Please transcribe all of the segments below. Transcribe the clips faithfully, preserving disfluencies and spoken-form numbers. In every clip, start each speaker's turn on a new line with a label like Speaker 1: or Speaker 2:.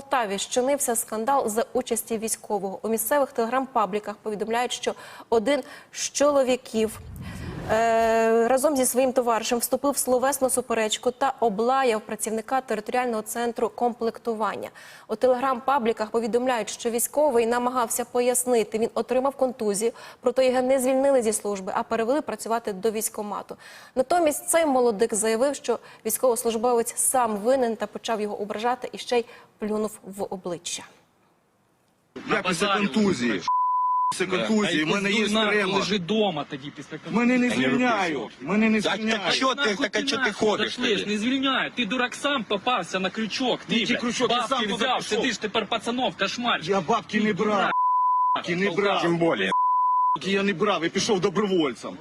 Speaker 1: Полтаві щинився скандал за участі військового. У місцевих телеграм-пабліках повідомляють, що один з чоловіків е разом зі своїм товаришем вступив в словесну суперечку та облаяв працівника територіального центру комплектування. У телеграм-пабліках повідомляють, що військовий намагався пояснити, він отримав контузію, проте його не звільнили зі служби, а перевели працювати до військкомату. Натомість цей молодик заявив, що військовослужбовець сам винен та почав його ображати і ще й плюнув в обличчя.
Speaker 2: Я після контузії. Після контузії, в мене є стрема.
Speaker 3: Лежи дома тоді після контузії.
Speaker 2: Мене не звільняють, мене не
Speaker 4: Так,
Speaker 2: звільняють.
Speaker 4: так що ти, так, а що ти ходиш тоді?
Speaker 3: Не звільняють. Ти, дурак, сам попався на крючок. Ти,
Speaker 2: Який
Speaker 3: блядь,
Speaker 2: крючок? Я
Speaker 3: бабки
Speaker 2: сам туди
Speaker 3: взяв,
Speaker 2: пішов.
Speaker 3: сидиш тепер пацанов, кошмар.
Speaker 2: Я бабки не брав, бабки не брав.
Speaker 4: Тим більше.
Speaker 2: Бабки я не брав, я пішов добровольцем.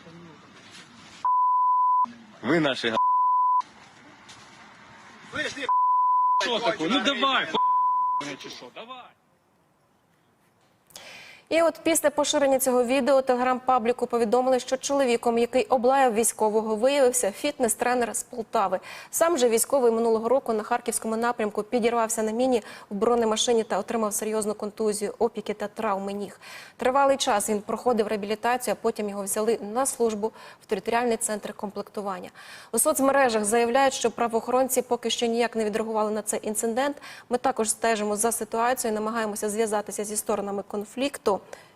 Speaker 4: Ви наші га...
Speaker 3: Що таке? Ну давай, ху... чи що, давай.
Speaker 1: І от після поширення цього відео телеграм-пабліку повідомили, що чоловіком, який облаяв військового, виявився фітнес-тренер з Полтави. Сам же військовий минулого року на Харківському напрямку підірвався на міні в бронемашині та отримав серйозну контузію, опіки та травми ніг. Тривалий час він проходив реабілітацію, а потім його взяли на службу в територіальний центр комплектування. У соцмережах заявляють, що правоохоронці поки що ніяк не відреагували на цей інцидент. Ми також стежимо за ситуацією, намагаємося зв'язатися зі сторонами конфлікту.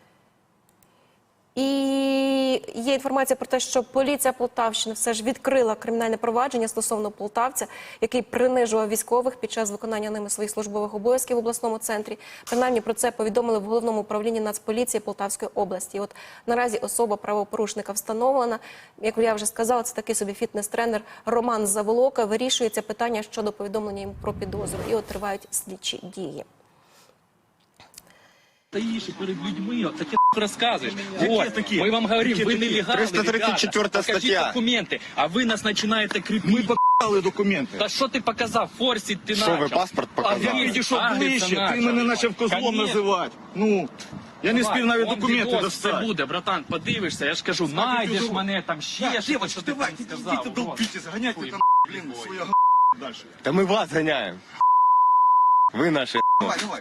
Speaker 1: І є інформація про те, що поліція Полтавщини все ж відкрила кримінальне провадження стосовно полтавця, який принижував військових під час виконання ними своїх службових обов'язків в обласному центрі. Принаймні про це повідомили в Головному управлінні Нацполіції Полтавської області. І от наразі особа правопорушника встановлена. Як я вже сказала, це такий собі фітнес-тренер Роман Заволока. Вирішується питання щодо повідомлення йому про підозру. І от тривають слідчі дії.
Speaker 3: Стоишь и перед людьми, вот таки рассказываешь.
Speaker 2: Какие
Speaker 3: Вот,
Speaker 2: такие?
Speaker 3: мы вам говорим,
Speaker 2: Какие
Speaker 3: вы
Speaker 2: такие?
Speaker 3: нелегалы,
Speaker 4: триста тридцать четвёртая
Speaker 3: ребята, покажите
Speaker 4: статья.
Speaker 3: документы, а вы нас начинаете крепить.
Speaker 2: Ми показали документи.
Speaker 3: Та що ти показав? Форсить ти
Speaker 4: Що,
Speaker 3: начав.
Speaker 4: ви паспорт показали?
Speaker 2: Я підійшов
Speaker 3: Агриться
Speaker 2: ближче,
Speaker 3: начав.
Speaker 2: ти мене почав козлом
Speaker 3: Конечно.
Speaker 2: називати. Ну, я не спів навіть
Speaker 3: Он
Speaker 2: документи
Speaker 3: відос
Speaker 2: достати.
Speaker 3: Це буде, братан, подивишся, я ж кажу, знайдеш мене там ще,
Speaker 2: Так,
Speaker 3: щось,
Speaker 2: девочка,
Speaker 3: що ти
Speaker 2: давай,
Speaker 3: там
Speaker 2: ідіть
Speaker 3: сказав.
Speaker 2: туди,
Speaker 3: Вот.
Speaker 2: впійте, заганяйте
Speaker 3: Хуй
Speaker 2: там, блін,
Speaker 3: бой.
Speaker 2: своя г*** далі.
Speaker 4: Та ми вас ганяємо. Ви наші га...
Speaker 2: Давай, давай.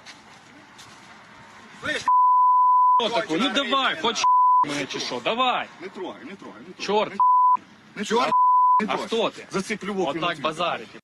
Speaker 3: Що таке? Ну давай, хоч мене чи що, давай.
Speaker 2: Не трогай, не трогай, не трогай.
Speaker 3: Чорт,
Speaker 2: Не трогай, не
Speaker 3: а
Speaker 2: трогай.
Speaker 3: хто ти?
Speaker 2: За цей плювок.
Speaker 3: Отак базарити.